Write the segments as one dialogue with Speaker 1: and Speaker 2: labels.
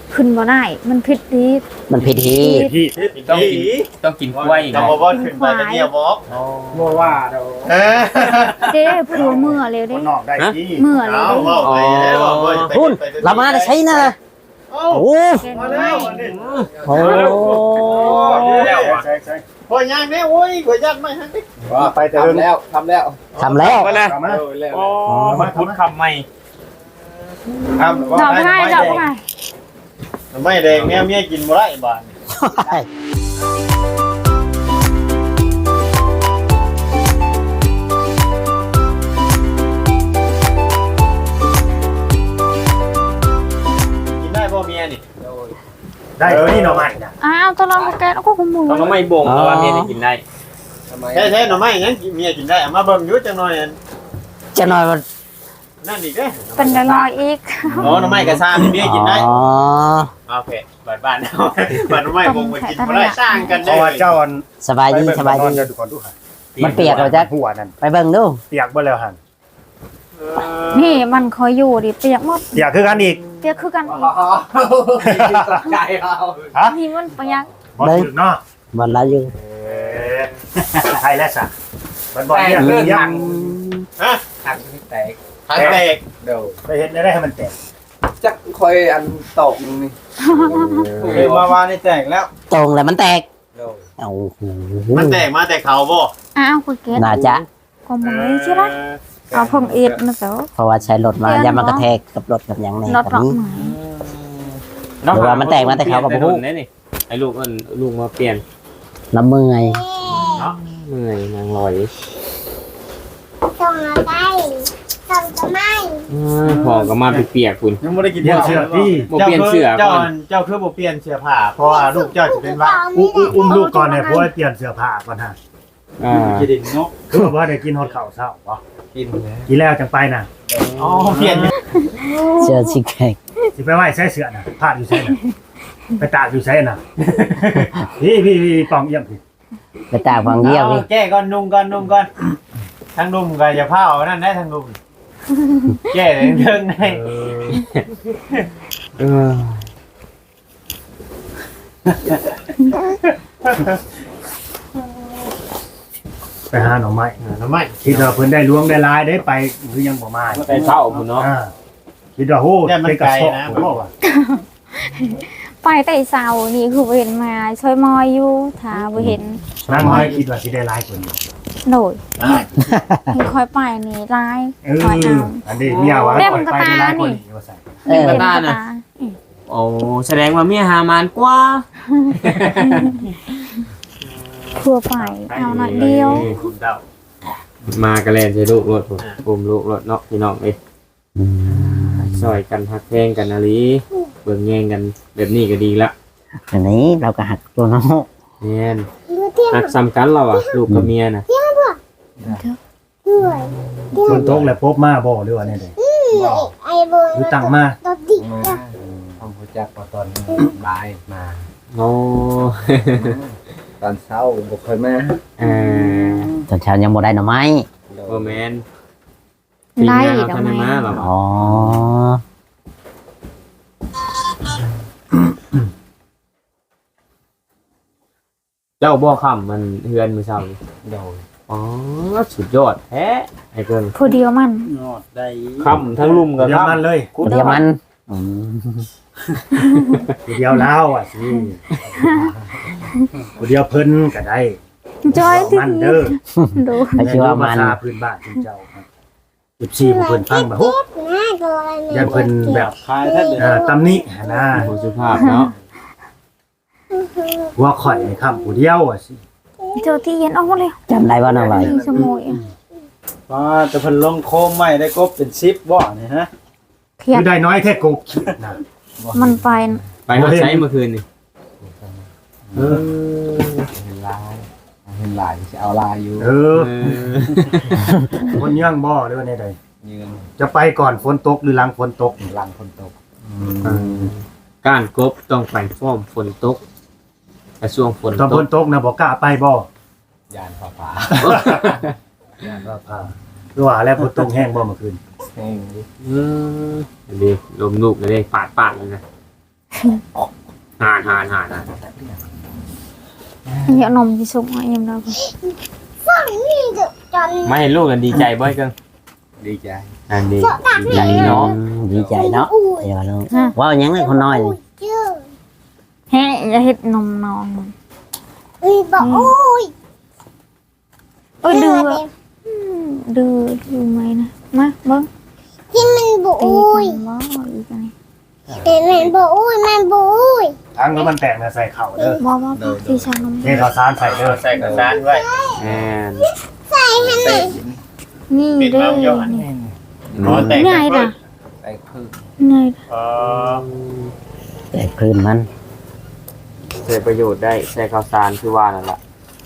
Speaker 1: ขึ้นบ่ได้มันผิดดี
Speaker 2: มันผิดที่
Speaker 3: พี่
Speaker 4: ต้องกินกล้วย
Speaker 3: จะบอกว่าขึ้นไปจะเดียวบอก
Speaker 5: บ่ว่าเด้อ
Speaker 1: เด้ผัวเมื่อเร็ว
Speaker 5: ค
Speaker 1: เด้
Speaker 5: นนอกได้ที่
Speaker 1: เมื่อเร็ว
Speaker 3: เอา
Speaker 1: เด้
Speaker 3: บอกไปแล้วบอกว่า
Speaker 2: คุณเรามาได้ใช้นะโอ้
Speaker 1: แกง
Speaker 3: มา
Speaker 1: ไม้
Speaker 3: แล้ว
Speaker 2: โห
Speaker 5: ใช่
Speaker 3: พอย่างนี้โอ้ยกว่ายัดไม่ฮันดิ
Speaker 5: ว่าไปแต่เรื่องแล้วทำแล้ว
Speaker 2: ทำแล้ว
Speaker 4: มาเลย
Speaker 5: ทำมา
Speaker 4: โอ้มันพุดคำใหม่
Speaker 5: ทำ
Speaker 1: ดอกไม้ดอกไม้
Speaker 3: ไม่แดงเนี่ยเมียกินบ่ได้บ้าน กินได้บ่เมียนี่
Speaker 5: ได้ตัวนี้หน่อไม้นะ
Speaker 1: อ้าวตอนเราแกงก็ขโมย
Speaker 4: ต้องไม่บ่งเพราะว่าเมียได้กินได้
Speaker 3: แท้ๆหน่อไม้ยังเมียกินได้เอามาเบิ่งอยู่จังหน่อย
Speaker 2: จะหน่อยมัน
Speaker 3: นั่นอีกเด้
Speaker 1: เป็นลอยอีก
Speaker 3: อ๋อหน่อไม้กระซ่าเมียกินได้
Speaker 2: อ๋อ
Speaker 3: โอเคบ้านเอาบ้านหน่อไม้บ่งมากินบ่ได้สร้างกัน
Speaker 5: เพ
Speaker 3: ได้
Speaker 5: ราะว่าเจ้า
Speaker 2: สบายดีสบายดี
Speaker 5: เดี๋ยวดูก่อนดูค่ะ
Speaker 2: มันเปียกเหรอจ๊ะ
Speaker 5: หัวนั่น
Speaker 2: ไปเบิ่งดู
Speaker 5: เปียกบ่แล้วหัน
Speaker 1: นี่มันคอยอยู่ดิเปียกหมด
Speaker 5: เปียกคือกันอีก
Speaker 1: เปียกคือกันอีก
Speaker 4: ใจเรา
Speaker 5: ฮะ
Speaker 1: นี่มันเปียก
Speaker 5: บ่ถึงเนาะ
Speaker 2: มันละอยู่
Speaker 5: ไทยแล้วซะมันบ่เนี่ยเรื่องยัง
Speaker 3: ฮะ
Speaker 4: หักแตก
Speaker 3: หันแตก
Speaker 4: เดี๋ยว
Speaker 5: ไปเห็นได้ให้มันแตก
Speaker 4: จักคอยอันตกนี่
Speaker 3: คือมาวานี่แตกแล้ว
Speaker 2: ตรงแล้วมันแตก
Speaker 4: เดี๋ยว
Speaker 2: โอ้โห
Speaker 3: มันแตกมาแต่เขาบ่
Speaker 1: อ้าวคุยเกต
Speaker 2: น่าจะ
Speaker 1: ก็มึงเลยใช่ไหมเอาพงเอ็ดนะเจ้า
Speaker 2: เพราะว่าใช้รถมาอย่ามันกระแทกกับรถกับอย่างนี้
Speaker 1: รถ
Speaker 2: แบบ
Speaker 1: ดอก
Speaker 2: นี้
Speaker 1: ไม้
Speaker 2: หรือว่ามันแตกมาแต่เขากับพวก
Speaker 4: นี่ไอ้ลูกมันลูกมาเปลี่ยน
Speaker 2: น้ำมือไง
Speaker 4: เมื่อยนางลอย
Speaker 6: ส่งมาได้ส่งจะไม่
Speaker 4: พอก็มาเปียกคุณ
Speaker 3: ยังบ่ได้กิน
Speaker 5: เดี๋ยวเชื่อที่
Speaker 4: บ่เปลี่ยนเสื้อ
Speaker 3: เจ้า
Speaker 4: ก่อน
Speaker 3: เจ้าคือบ่เปลี่ยนเสื้อผ้าเพราะว่าลูกเจ้าสิเป็นว่า
Speaker 5: อุ้มลูกก่อนเนี่ยเพราะว่าเปลี่ยนเสื้อผ้าก่อนฮะ
Speaker 3: กินดินเนาะ
Speaker 5: คือว่าได้กินฮอดข้าวเช้าบ่
Speaker 4: กินแล้ว
Speaker 5: กินแล้วจังไปน่ะ
Speaker 3: อ๋อเปลี่ยน
Speaker 2: เชื่อชิแขก
Speaker 5: สิไปไหว้ใช้เสื้อน่ะผ้าอยู่ใช้น่ะไปตากอยู่ใช้น่ะพี่ปองเยี่ยมพี่
Speaker 2: ไปตากฟังเยี่ยมนี่
Speaker 3: แก้ก่อนนุ่งก่อนทั้งนุ่มก็อย่าพาเอานั่นได้ทั้งนุ่มแก้เรื่องได้
Speaker 4: เออ
Speaker 5: ไปหาหน่อไม้
Speaker 3: ทำไม
Speaker 5: คิดว่าเพิ่นได้ล้วงได้ลายได้ไปหรือยังบ่มา
Speaker 4: ไปเช่าคุณเนาะ
Speaker 5: คิดว่าโหเป็นกระสอบบ่ว่า
Speaker 1: ไปแต่เสานี่คือเห็นมาช่วยมอยอยู่ถ้าบ่เห็น
Speaker 5: นั่งน้อยคิดว่าสิได้ลายกว่านี้
Speaker 1: โดดให้คอยไปนี่ลายคอยเอา
Speaker 5: อันนี้เมียว่าปล่อยไปได้ลายกว่านี้ว่าใส่
Speaker 2: เออ
Speaker 1: เห็นกระตา
Speaker 4: โอ้แสดงว่าเมียหามานกว่า
Speaker 1: ทั่วไปเอาหน่อยเดียว
Speaker 3: คุณเดาม
Speaker 4: ากระแลนใช้ลูกรถผมลูกรถเนาะพี่น้องเอ้ยซอยกันฮักแพงกันอะไรเบิ่งแย่งกันแบบนี้ก็ดีละ
Speaker 2: อันนี้เราก็หักตัวน้อง
Speaker 4: แน่นฮักซ้ำกันเราอ่ะลูกกับเมียน่ะ
Speaker 6: ด้วย
Speaker 5: ฝนตกแล้วพบมาบ่หรือว่าแน่ใด
Speaker 6: ไอ้บน
Speaker 5: หรือตั้งมา
Speaker 6: ตัวติดกับ
Speaker 7: ผมรู้จักตอนบ่ายมา
Speaker 4: โอ้
Speaker 7: ตอนเช้าบ่เคยมา
Speaker 4: เออ
Speaker 2: ตอนเช้ายังบ่ได้หน่อไม้
Speaker 4: โอแมน
Speaker 1: ได้
Speaker 4: ทีมงานเรา
Speaker 1: ดอก
Speaker 4: ทันได้
Speaker 1: ไม้
Speaker 4: มาหรอ
Speaker 2: อ๋อ
Speaker 4: เจ้าบ่อค่ำมันเฮือนมือเช้านี่
Speaker 7: โดย
Speaker 4: อ๋อสุดยอดแท้ไอ้เกิน
Speaker 1: ผู้เดียวมัน
Speaker 3: งอดได้
Speaker 4: ค่ำทั้งลุ่มกับ
Speaker 5: เดี๋ยว
Speaker 4: ค่ำ
Speaker 5: มันเลย
Speaker 2: เดี๋ยวมันอืม
Speaker 5: เดี๋ยวแล้วอ่ะสิเดี๋ยวเพิ่นก็ได้
Speaker 1: จอยที่
Speaker 5: มันเด้อ
Speaker 1: ดู
Speaker 2: ไปคิดว่ามัน
Speaker 5: ภาษาพื้นบ้านของเจ้าครับ14ผู้เพิ่นฟังแบบโห
Speaker 6: หน้าตัวอะไร
Speaker 5: ยันเพิ่นแบบ
Speaker 3: คายท่านเด้อ
Speaker 5: ตำหนินะ
Speaker 4: ผู้สุภาพเนาะ
Speaker 5: หัวข่อยในคำผู้เดียวอ่ะสิ
Speaker 1: เจอที่เย็นออกมาเลย
Speaker 2: จำได้ว่าน้องลอย
Speaker 1: มีสมุย
Speaker 3: ว่าจะเพิ่นลงโคมใหม่ได้กบเป็น10บ่นี่ฮะ
Speaker 1: เครีย
Speaker 5: คื
Speaker 1: ด
Speaker 5: อได้น้อยแท้กบคิดนะ
Speaker 1: มันไป
Speaker 4: ไปเขาใช้เมื่อคืนนี่
Speaker 5: เออ
Speaker 7: เห็นลายเห็นลายจะเอาลายอยู่
Speaker 5: เออ
Speaker 4: เออ
Speaker 5: คนย่างบ่หรือว่าในใด
Speaker 7: ยืน
Speaker 5: จะไปก่อนฝนตกหรือหลังฝนตก
Speaker 7: หลังคนตก
Speaker 4: ก้านกบต้องไปฟ้อมฝนตกแต่ช่วงฝน
Speaker 5: ตอน
Speaker 4: ต
Speaker 5: ฝ
Speaker 4: ก
Speaker 5: นตกนะบอกกล้าไปบ่
Speaker 7: ยานฟ้าฟ้า
Speaker 5: ก็พาคือว่าแล้วฝนตกแห้งบ่เมื่อคืน
Speaker 7: แห้งดิ
Speaker 4: ดีลมลูกเลยปาดเลยนะหาน
Speaker 1: nhẹ nồng thì sụp mọi em đâu
Speaker 6: ฝั่งนี้เดี๋ยวจน
Speaker 4: ไม่เห็นลูกกันดีใจบ่อยเกิน
Speaker 7: ดีใจ
Speaker 4: อันดี
Speaker 2: ดีใจเนาะดีใจเนาะเดี๋ยวเราว่ายังไงคนน้อยนี่
Speaker 6: เชื่อ
Speaker 1: hé ra hết nồng nồng
Speaker 6: บอกโอ้ย
Speaker 1: ôi đưa mày nè má bớt
Speaker 6: ที่มันบอก
Speaker 1: tì
Speaker 6: โอ้ย
Speaker 1: con bó rồi cái này
Speaker 6: แต่มันบอกโอ้ยมันบอกโอ้ย
Speaker 5: ทั้งแล้วมันแตกนะใส่เข่าเด้อ
Speaker 1: bó thì sao nó
Speaker 5: เทข้าวสารใส่เด้อ
Speaker 3: ใส่กระดานไว้
Speaker 4: แอน
Speaker 6: ใส่ให้หน่อย
Speaker 1: nghi
Speaker 3: Biết bao nhiêu
Speaker 1: đây
Speaker 3: hả?
Speaker 1: nè
Speaker 3: อ๋อแตก
Speaker 1: ngay nè
Speaker 7: ไปคือ
Speaker 1: ngay
Speaker 3: อ๋อ
Speaker 2: แต่คลื่นมัน
Speaker 4: ใช้ประโยชน์ได้ใช้ข้าวสารคือว่านั่นแหละ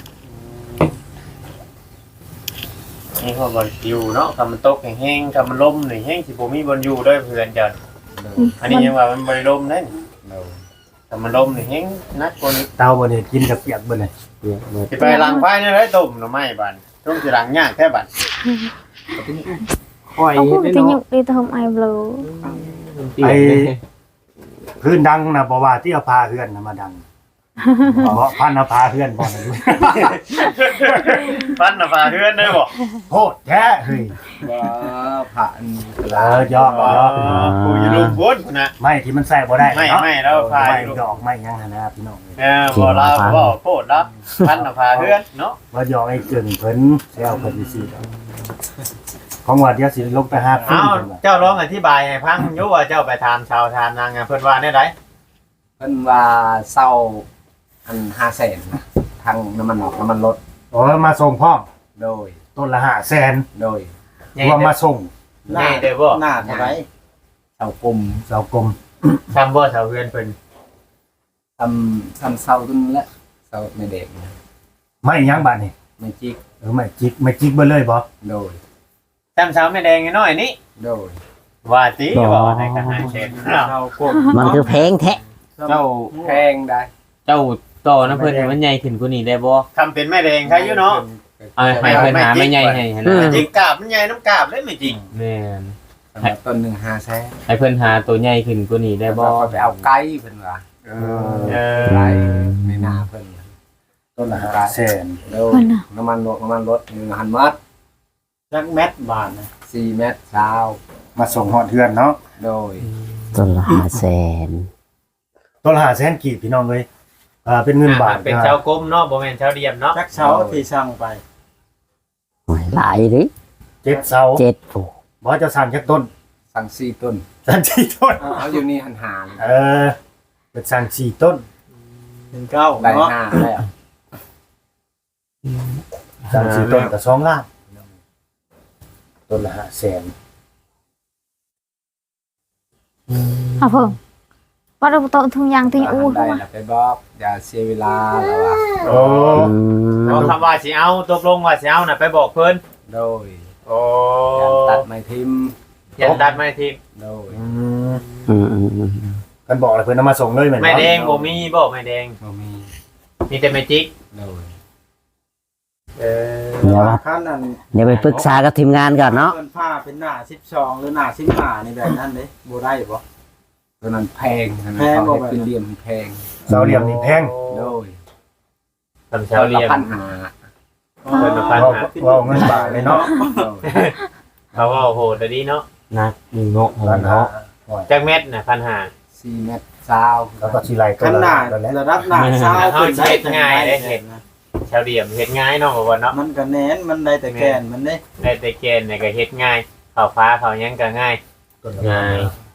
Speaker 3: นี่เขาบอลอยู่เนาะคำมันตกแห้งๆคำมันล่มหน่อยแห้งสิผมมีบอลอยู่ด้วยเพื่อนจันอันนี้ยังว่ามันบริลมนั่น
Speaker 7: เรา
Speaker 3: คำมันล่มหน่อยแห้งนักคน
Speaker 5: เตาบ่นี่กินกับเปียกบ่นี่
Speaker 4: เนี่ยเมื่อ
Speaker 3: จะไปล้างไฟนี่เลยตุ่มหน่อไม้บันต้องจะล้างยากแค่บัน
Speaker 4: ค่อย
Speaker 1: ông
Speaker 4: เฮ็ด
Speaker 1: cũng
Speaker 4: ได้
Speaker 1: cái
Speaker 4: เนาะ
Speaker 1: nhục đi thơm ai blue
Speaker 4: เปียกเลย
Speaker 5: พื้นดังนะบ่ว่าที่เอาพาเฮือนน่ะมาดังเพราะพันเอาพาเฮือนบ่นะดู
Speaker 3: ปั้นหน้าฟ้าเพื่อนได้บ่
Speaker 5: โคตรแท้เฮ้ย
Speaker 7: ว่าผ่าน
Speaker 5: ยอก
Speaker 3: กูจะลุมพ้นนะ
Speaker 5: ไม่ที่มันใส่บ่ได้
Speaker 3: ไม่
Speaker 5: เนาะ
Speaker 3: ไม่แล้วพา
Speaker 5: ไม่
Speaker 3: อยู่
Speaker 5: ดอกไม่ยังหั่นนะพี่น้อง
Speaker 3: บ่ลาบ่โพดละปั้นหน้าฟ้าเพื่อนเนาะ
Speaker 5: ว่าหยอกไอ้เกินเพิ่นแซวเพิ่นสิของว่าเดี๋ยวสิลงไปหาฟื้น
Speaker 3: อ้าว
Speaker 5: เพิ่นว่า
Speaker 3: เจ้าร้องอธิบายให้ฟังอยู่ว่าเจ้าไปถามชาวทานนางเพิ่นว่าได้ได
Speaker 7: เพิ่นว่าเศร้าอัน500,000ทางน้ำมันรถ
Speaker 5: โอ้มาส่งพร้อม
Speaker 7: โดย
Speaker 5: ต้นละ500,000
Speaker 7: โดย
Speaker 5: รวมมาส่ง
Speaker 3: ง่ายเด้อบ่
Speaker 7: หน้าเท่าไหร่เศร้ากลม
Speaker 5: เสากลม
Speaker 3: ทำบ่ชาวเพื่อนเพิ่น
Speaker 7: ทำเศร้าขึ้นแล้วเศร้าไม่เด็กนะ
Speaker 5: ไม่ยังบาดนี่
Speaker 7: ไม่จิก
Speaker 5: ไม่จิกเบ่เลยบ่
Speaker 7: โดย
Speaker 3: ทำเช้าไม่แดงน้อยนี่
Speaker 7: โดย
Speaker 3: ว่าติบ่ในกระหายเช่น
Speaker 2: มันคือเพลงแท้
Speaker 7: เจ้าแพงได้
Speaker 4: เจ้าต่อนะเพิ่นให้มันใหญ่ขึ้นกว่านี้ได้บ่
Speaker 3: ทำเป็นแม่แดงใครอยู่เนาะ
Speaker 4: เอาให้เพิ่นหาไม่ใหญ่ให้นะ
Speaker 3: จริงกาบมันใหญ่น้ำกาบเลยไม่จริง
Speaker 4: แม่น
Speaker 7: สำหรับต้นหนึ่ง500,000
Speaker 4: ให้เพิ่นหาตัวใหญ่ขึ้นกว่านี้ได้บ่
Speaker 7: ไปเอาไก่เพิ่นว่า
Speaker 3: เออ
Speaker 7: ไก่ในนาเพิ่น
Speaker 5: ต้นละ500,000
Speaker 7: โดยน้ำมันรถ1,000 มัด
Speaker 5: จักแมตบาทนะ
Speaker 7: 4 เมตรเช้า
Speaker 5: มาส่งฮอดเฮือนเนาะ
Speaker 7: โดย
Speaker 2: ต้นละ500,000
Speaker 5: ต้นละ500,000กีบพี่น้องเอ้ยเป็นเงินบาท
Speaker 3: เป็นเช้ากลมเนาะบ่แม่นเช้าเดียมเนาะ
Speaker 5: จักเสาที่สั่งไป
Speaker 2: โอ้ยหลายดิ
Speaker 5: 7เสา
Speaker 2: 7ผู้
Speaker 5: บ่จะสั่งจักต้น
Speaker 7: สั่ง4 ต้น
Speaker 5: สั่ง4ต้น
Speaker 7: เอาอยู่นี่หันหา
Speaker 5: เป็นสั่ง4ต้น
Speaker 7: ได้ 5แล้ว
Speaker 5: สั่ง4ต้นก็2ล้านต้นละ500,000
Speaker 1: à phượng bắt đầu tội thương giang thì
Speaker 7: หั
Speaker 1: u
Speaker 7: นได้
Speaker 1: không
Speaker 7: แล้วไปบอกอย่าเสียเวลาแล้วว่า
Speaker 5: โอ้
Speaker 3: เอาคำว่าสิเอาตกลงว่าสิเอาน่ะไปบอกเพิ่น
Speaker 7: โดย
Speaker 3: โอ้
Speaker 7: อย่าตัดไม้ทิม
Speaker 3: ยันตัดไม่ทิ้ง
Speaker 7: โดย
Speaker 5: กันบอกเลยเพิ่นเอามาส่งเลยแม่น
Speaker 3: ไม่
Speaker 5: บ่
Speaker 3: แดงบ่มีบ่ไม่แดง
Speaker 7: บ่มี
Speaker 3: มีแต่ไม่จิก
Speaker 7: โดย
Speaker 3: เออ
Speaker 2: เดี๋ยว
Speaker 8: ขั้นนั้น
Speaker 2: เดี๋ยวไปปรึกษากับทีมงานก่อนเนาะ
Speaker 8: เพิ่นผ้าเป็นหน้า12หรือหน้า15นี่แบบนั้นเด้บ่ได้บ่
Speaker 7: ตัวนั้นแพง
Speaker 8: แพงบ่
Speaker 7: บ่
Speaker 8: แบบ
Speaker 7: เป็นเหลี่ยมแพง
Speaker 5: เสาเหลี่ยมนี่แพง
Speaker 7: โดย
Speaker 3: ทำเช้าเรียน
Speaker 7: ปัญหา
Speaker 3: เพิ่นมาพันหา
Speaker 5: ว่าเงินบาทเลยเนาะ
Speaker 7: โดย
Speaker 3: เขาว่าโหดดีเนาะ
Speaker 4: นักเนาะ
Speaker 5: ล้านห้า
Speaker 4: เนาะ
Speaker 3: จักเม็ดน่ะพันหา
Speaker 7: 4 เมตรเช้า
Speaker 5: แล้วก็สิไล่ต้
Speaker 8: ขั้
Speaker 5: น
Speaker 8: นห
Speaker 5: ละ
Speaker 8: น้า
Speaker 5: นั่นแหละ
Speaker 8: ระดับหน้าเช้า
Speaker 3: เฮาเฮ็ดง่ายได้เฮ็ดเช้าเดียมเฮ็ดง่ายเนาะบ่ว่าเนาะ
Speaker 8: มันก็แน่นมันได้แต่แกนมันเด้
Speaker 3: ได้แต่เกณฑ์เนี่ยก็เฮ็ดง่ายเข้าฟ้าเข้าหยังก็ง่าย
Speaker 5: ต้นละ
Speaker 4: ง่าย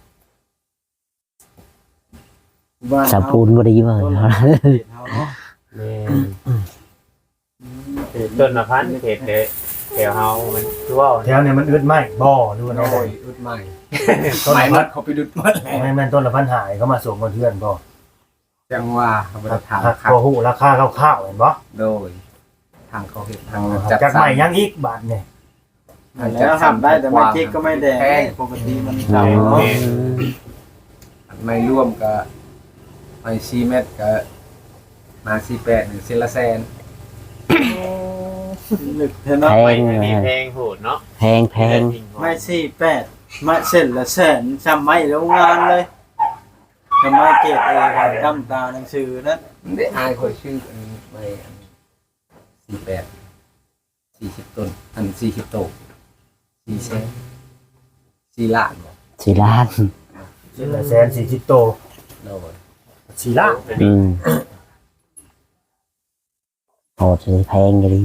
Speaker 8: บ้าน
Speaker 2: สะพูนบ่ดีเว้ย
Speaker 8: เฮาเนาะ
Speaker 4: แม่น
Speaker 3: ต้นละพันเขตเด้แถวเฮามันคือว่า
Speaker 5: แถวเนี่ยมันอึดไหมบ่ดูว่า
Speaker 7: โด
Speaker 5: เนาะ
Speaker 7: ยอุดใหม่
Speaker 5: ต้น
Speaker 7: ใหม่
Speaker 5: ละ
Speaker 7: ร
Speaker 5: พั
Speaker 7: ถ
Speaker 5: น
Speaker 7: เขาไปดุดหมดแล้ว
Speaker 5: แม่นต้นละพันหายเขามาส่งคนเพื่อนบ่
Speaker 7: จังว่าเขาบ่ได้ถาม
Speaker 5: หัก
Speaker 7: ครับ
Speaker 5: พอฮู้ราคาคร่าวๆเห็นบ่
Speaker 7: โดยทางเขาเฮ็ดทาง
Speaker 5: จักใหม่ยังอีกบาทเนี่ย
Speaker 8: แล้วทำได้แต่ไม่จิกก็ไม่แดง
Speaker 7: แพง
Speaker 8: ปกติมัน
Speaker 3: เนาะ
Speaker 8: เนาะ
Speaker 7: ไม่ร่วมก็ไม่4 เมตรก็มา48หรือ1ละแสน
Speaker 8: ลึกเท่าเนาะ
Speaker 2: แพ
Speaker 3: ไม่
Speaker 2: ง
Speaker 3: มีเพลงโหดเนาะ
Speaker 2: แพง
Speaker 8: ไม่48ไม่เส้นละแสนจำไม่โรงงานเลยทำไมเจ็บทำตาหนังสือนั้น
Speaker 7: ได้อายคอยชื่ออันไป48 40ต้นอัน40โต4แสน4ล้านบ่
Speaker 2: สี่ล้าน
Speaker 5: 140,000โต
Speaker 7: โดย
Speaker 5: 4ล้าน
Speaker 2: โหดเลยแพงเลย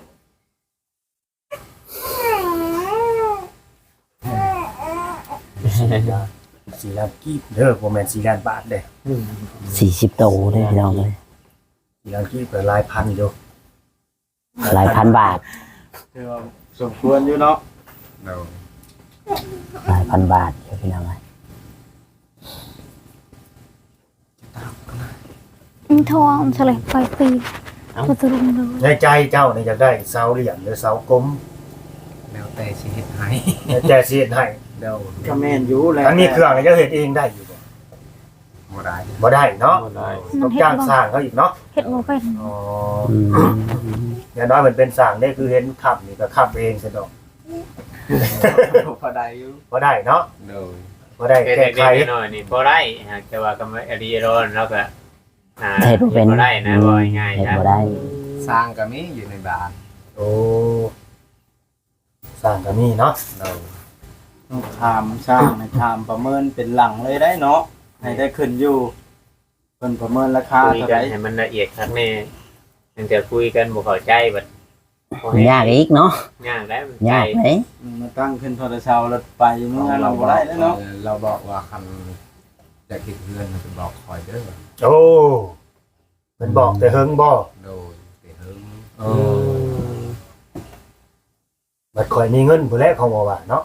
Speaker 5: 4ล้านกีบเด้อบ่แม่น4ล้านบาทเด้
Speaker 2: 40 โตได้พี่น้องเลย
Speaker 5: 4ล้านกีบก็หลายพันอยู่
Speaker 2: หลายพันบาท
Speaker 8: คือว่าสมควรอยู่เนาะ
Speaker 7: โดย
Speaker 2: หลายพันบาทเดี๋ยวพี่น้องเลย
Speaker 1: ทองเฉลยไปปีก็จะลงเลย
Speaker 5: ในใจเจ้านี่อยากได้เสาเหลี่ยมหรือเสากลม
Speaker 7: แล้วแต่สิเฮ็ดให้
Speaker 5: แต่สิเฮ็ดให้
Speaker 7: โดย
Speaker 8: ก็แม่นอยู่แล้ว
Speaker 5: อันนี้เครื่องนี่จะเฮ็ดเองได้อยู่บ่
Speaker 7: บ่ได้
Speaker 5: บ่ได้เนาะ
Speaker 4: บ่ได้
Speaker 5: ต้องจ้างสร้างเขาอีกเนาะ
Speaker 1: เฮ็ดบ่เป็น
Speaker 5: อ๋อ
Speaker 2: อืม
Speaker 5: อย่างน้อยมันเป็นสร้างนี่คือเห็นขับนี่ก็ขับเองซะดอก
Speaker 7: พอได้อยู่
Speaker 5: บ่ได้เนาะ
Speaker 7: โดย
Speaker 5: บ่ได้
Speaker 3: เฮ็ด
Speaker 5: แก้ไข
Speaker 3: เด็กๆน้อยๆนี่บ่ได้หากแต่ว่าก็ไม่อดีร้อนแล้วก็
Speaker 2: เฮ็ดบ่เป็น
Speaker 3: บ่ได้นะบ่ง่าย
Speaker 2: เฮ็ด
Speaker 3: ๆจ้ะ
Speaker 2: บ่ได้
Speaker 7: สร้างก็มีอยู่ในบ้าน
Speaker 5: โอ้สร้างก็มีเนาะ
Speaker 7: โดย
Speaker 8: ต้องถามสร้างให้ถามประเมินเป็นหลังเลยได้เนาะให้ได้ขึ้นอยู่เพิ่นประเมินราคา
Speaker 3: คุย
Speaker 8: เท่า
Speaker 3: กั
Speaker 8: ไห
Speaker 3: น
Speaker 8: ร่
Speaker 3: ให้มันละเอียดครับแม่ตั้งแต่คุยกันบ่เข้าใจบัดบ่ให้
Speaker 2: ยากอีกเนาะ
Speaker 3: ยากแล้วมัน
Speaker 2: ยากไหม
Speaker 8: มาตั้งขึ้นโทรศัพท์รถไปเมื่อเราบ่ได้แล้วเนาะ
Speaker 7: เราบอกว่าคันจะคิดเพื่อนมันจะบอกคอยเด้อ
Speaker 5: โอ้มันบอกแต่เฮิงบ่
Speaker 7: โดยแต่เฮิง
Speaker 5: เออบัดข่อยมีเงินผู้แลเขาบ่ว่าเนาะ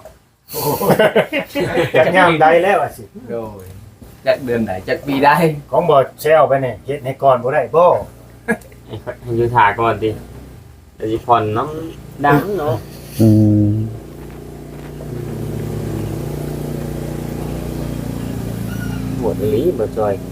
Speaker 5: จักยามใดแล้วอ่ะสิ
Speaker 7: โดยจักเดือนไหนจักปีได้
Speaker 5: ของบ่แซวไปนี่เฮ็ดให้ก่อนบ่ได้บ่
Speaker 4: ให้อยู่ถ่าก่อนดิเดี๋ยวสิผ่อนน้ำดังเนาะ
Speaker 2: อืม
Speaker 4: ปวดอีหลีบ่จอย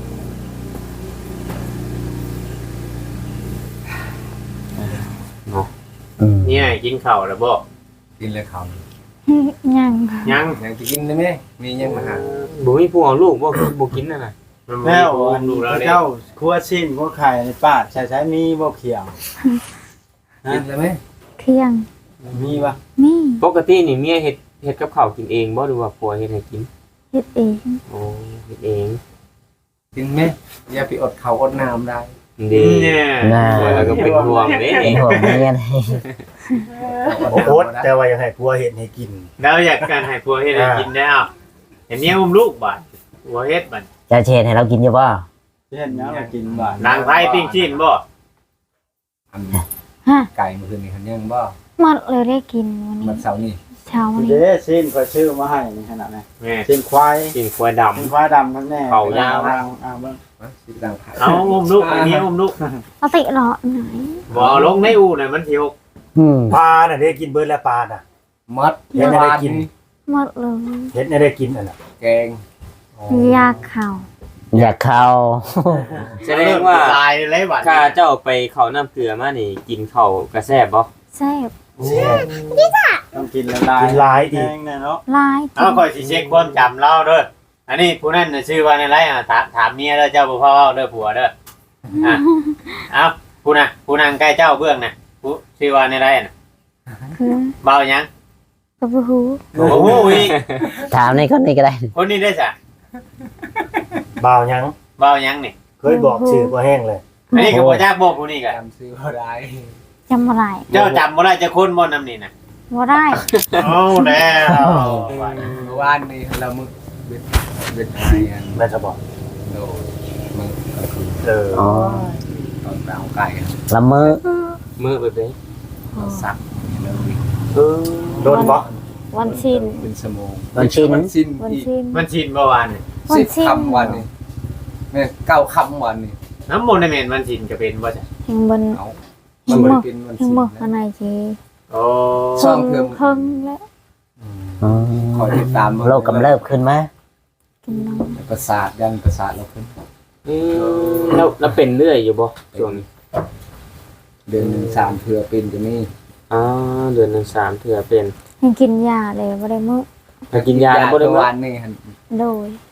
Speaker 2: อืม
Speaker 3: เนี่ยกินข้าวแล้วบ่
Speaker 7: กินเลยค
Speaker 1: ยัง
Speaker 3: ยัง
Speaker 7: ำยังจะกินได้ไหมมียังมาหา
Speaker 4: บ่มีผู้เอาลูกบ่บ่กินนั่นน่ะ
Speaker 3: มัน
Speaker 8: แล้ว
Speaker 3: บ่
Speaker 8: อัน
Speaker 3: ดู
Speaker 8: นี้
Speaker 3: แล้วเนี่ย
Speaker 8: เจ้าครัวชิ้นครัวไข่ในป้าดใช้มีบ่เขียว
Speaker 7: กินได้ไหม
Speaker 1: เที่ยง
Speaker 8: มีปะ
Speaker 1: นี่
Speaker 4: ปกตินี่เมียเฮ็ดกับข้าวกินเองบ่หรือว่าผัวเฮ็ดให้กิน
Speaker 1: เฮ็ดเอง
Speaker 4: โอ้เฮ็ดเอง
Speaker 7: กินไหมอย่าไปอดข้าวอดน้ำได้
Speaker 4: ดี
Speaker 3: เนี่ย
Speaker 2: น่า
Speaker 4: แล้วก็เป็นห่วงเด้
Speaker 2: เป็นห่วงเมียเลย
Speaker 5: โอ้โหแต่ว่าอยากให้ผัวเฮ็ดให้กิน
Speaker 3: แล้วอยากการให้ผัวเฮ็ดให้กินได้อ้าวเห็นเมียอุ้มลูกบัดผัวเฮ็ดบัด
Speaker 2: จะเชนให้เรากินอยู่บ่
Speaker 8: เช่นนี้มากินบ้าน
Speaker 3: นางไผปิ้งชิ้นบ่
Speaker 7: อัน
Speaker 1: ฮะ
Speaker 7: ไก่เมื่อคืนนี้คันยังบ่
Speaker 1: หมดเลยได้กินวัน
Speaker 7: มัน
Speaker 1: นี้
Speaker 7: เสาร์นี่
Speaker 1: เช้าวันนี้
Speaker 8: เด้ชิ้นก็ชื่อมาให้นี่ขนาดไหน
Speaker 3: แม่
Speaker 8: ชิ้นควาย
Speaker 4: กินควายดำ
Speaker 8: ชิ้นควายดำทั้งแน่
Speaker 4: เขายาว
Speaker 8: เบิ่ง
Speaker 7: สิดังไผ่
Speaker 3: เอาอุ้มลูกไอ้เมียอุ้มลูก
Speaker 1: เอาติเหรอไหน
Speaker 3: บ่เอาลงในอู่น่ะมันสิหก
Speaker 2: อืม
Speaker 5: ปลาน่ะได้กินเบิดแล้วปลาน่ะ
Speaker 7: มัด
Speaker 5: เห็นอะไรกิน
Speaker 1: หมดเลย
Speaker 5: เฮ็ดให้ได้กินอันน่ะ
Speaker 7: แกง
Speaker 1: ยาเข่า
Speaker 2: อยากเข้า
Speaker 4: แสดงว่า
Speaker 3: ตายเลยบัด
Speaker 4: ข้าเจ้าไปเข้าน้ำเกลือมานี่กินข้าวกระแซ่บบ่
Speaker 1: แซ่บ
Speaker 8: ต้องกินละลาย
Speaker 5: กินหลายอี
Speaker 8: แห้
Speaker 5: ก
Speaker 8: งแน่เนาะ
Speaker 1: ลาย
Speaker 3: เอาค่อยสิเช็คความจำเราเด้ออันนี้ผู้นั้นน่ะชื่อว่าในไรอ่ะถามเมียเด้อเจ้าบ่พอเว้าเด้อผัวเด้ออ่ะเอาผู้น่ะผู้นางใกล้เจ้าเบื้องน่ะผู้ชื่อว่าในไรน่ะ
Speaker 1: คือ
Speaker 3: เบาหยัง
Speaker 1: กระบูฮู
Speaker 3: โอ้โหอีก
Speaker 2: ถามในคนนี้ก็ได้
Speaker 3: คนนี้ได้จ้ะ
Speaker 5: บ่าวหยัง
Speaker 3: เบาหยังนี่
Speaker 5: เคยบอกชื่อบ่แห้งเลย
Speaker 3: อันนี้ก็บ่จักบอกผู้นี้ก็
Speaker 7: จำซื้อบ่ได้
Speaker 1: จำอะไร
Speaker 3: เจ้าจำบ่ได้จะคนบ่นำนี่น่ะ
Speaker 1: ว่าได้
Speaker 3: เอาแล้ว
Speaker 7: เมื่อวานนี้เรามึกเบ็ดไทยอัน
Speaker 5: แม่จะบอก
Speaker 7: โดมึกก็คือ
Speaker 5: เออ
Speaker 2: อ๋อ
Speaker 7: ตอนไปเอาไก่
Speaker 2: ละเมอ
Speaker 4: มื้อไปเด้
Speaker 7: เราสักเลย
Speaker 5: โดนบ่
Speaker 1: วันชิน
Speaker 7: เป็นสมอง
Speaker 2: มันชิ้น
Speaker 7: มันสิ้น
Speaker 1: วัน
Speaker 7: อีก
Speaker 1: ชิน
Speaker 3: มันชินบ่วานนี่
Speaker 1: วัน
Speaker 7: 10
Speaker 1: สิ้น
Speaker 7: คำวันนี้แม่9คำวันนี้
Speaker 3: น้ำบ่ได้แม่นมันชินก็เป็นบ่จ้ะ
Speaker 1: แห่งบน
Speaker 7: เอา
Speaker 1: แห่
Speaker 7: มัน
Speaker 1: ง
Speaker 7: บ่
Speaker 1: บ
Speaker 7: ได้
Speaker 1: ก
Speaker 7: เป็นวัน
Speaker 1: แห่ง
Speaker 7: สิ้น
Speaker 1: บกอั
Speaker 7: นะ
Speaker 1: นไหนจี
Speaker 3: โอ้
Speaker 7: ซ่อมเครื่อง
Speaker 1: เพิ่งแล้ว
Speaker 2: อ๋อ
Speaker 7: คอยติดตาม
Speaker 2: โรคกำเริบขึ้นไหม
Speaker 1: กินน้ำ
Speaker 7: ประสาทยันประสาทเราขึ้น
Speaker 4: แล้วเป็นเรื่อยอยู่บ่ช่วงนี้
Speaker 7: เดือนหนึ่ง3เทื่อเป็นจะมี
Speaker 4: อ๋อเดือนหนึง3เทื่อเป็น
Speaker 1: ยังกินยาเลยบ่ได้มื้อ
Speaker 4: ถ้ากินยาแล้วบ่ได้
Speaker 7: ป
Speaker 4: มื้
Speaker 7: ระ
Speaker 4: อ
Speaker 7: วันนี่หั่น
Speaker 1: โดย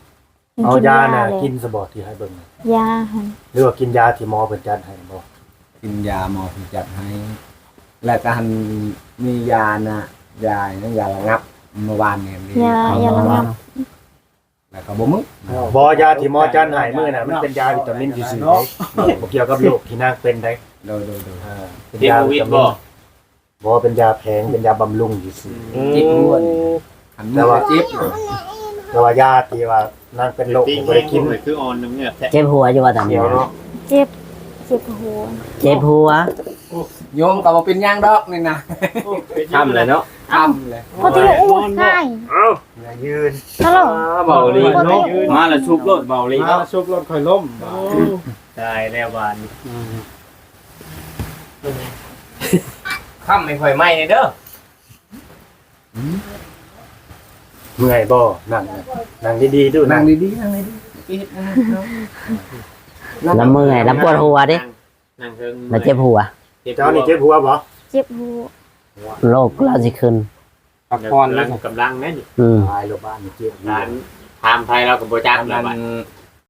Speaker 5: เอายาน่ะ
Speaker 1: เลย
Speaker 5: กินสบอที่ให้เบิ่ง
Speaker 1: ยาหั่น
Speaker 5: หรือว่ากินยาที่หมอเพิ่นจัดให้บ่
Speaker 7: กินยาหมอที่จัดให้ แล้วก็หันมียานะยานั่นยาระงับเมื่อวานเนี่ยมี
Speaker 1: ยาระงับ
Speaker 7: แล้วก็บ่มึก
Speaker 5: บ่ยาที่หมอจัดให้มื้อน่ะมันเป็นยาวิตามินซื่อๆบ่เกี่ยวกับโรคที่นางเป็นได้
Speaker 7: โดย
Speaker 5: เป็น
Speaker 3: เท
Speaker 5: ยา
Speaker 3: โควิ
Speaker 5: วิ
Speaker 3: ด
Speaker 5: ตามิ
Speaker 3: บ่
Speaker 5: นบ่เป็นยาแพงเป็นยาบำรุงซื่อ
Speaker 7: จิกหัวนี่หันมือว่าจิบ
Speaker 5: ๆแต่ว่ายาที่ว่านางเป็นโรค
Speaker 3: ปิ้ง
Speaker 5: บ่ได้กิน
Speaker 3: เลยคือออนน้ำเหงือกแท้
Speaker 2: เจ็บหัวอยู่ว่าตอน
Speaker 5: เดี
Speaker 2: นี้
Speaker 5: ยวเนาะ
Speaker 1: เจ็บหัว
Speaker 2: เจ็บหัว
Speaker 7: โยมก็บ่เป็นหยังดอกนี่นะ
Speaker 4: ทำเลยเนาะ
Speaker 7: ทำเลย
Speaker 1: พอที่อู้ใช่
Speaker 5: อย่ายืน
Speaker 1: ฮัลโหล
Speaker 4: เบาลีเนาะมาแล้วชุบรถเบาลี
Speaker 8: มา
Speaker 4: เนาะ
Speaker 8: ชุบรถค่อยล้ม
Speaker 3: ตายแล้วบาน
Speaker 4: ค่ำไม่ค่อยไหม้เด้อ
Speaker 5: เมื่อยบ่นั่งดีๆดู
Speaker 7: นั่
Speaker 5: นั่
Speaker 7: ง
Speaker 5: ง
Speaker 7: ดีๆนั่งดีๆปิดนะ
Speaker 2: แล้วเมื่อยแล้วปวดหัวดิ
Speaker 3: นั่งเทิง
Speaker 2: แล้วเจ็บหัว
Speaker 5: เจ้านี่เจ็บหัวบ่
Speaker 1: เจ็บหัว
Speaker 2: โรคเราสิขึ้น
Speaker 4: พักผ่อน
Speaker 3: กำ
Speaker 4: แล้
Speaker 3: ลั
Speaker 4: ว
Speaker 3: งกำลังแม่น
Speaker 2: อืม
Speaker 5: ตายโรงพยาบาลนี่เจ็บ
Speaker 3: ร้านทามไทยเรากับโบจักแล้วบัด
Speaker 7: ท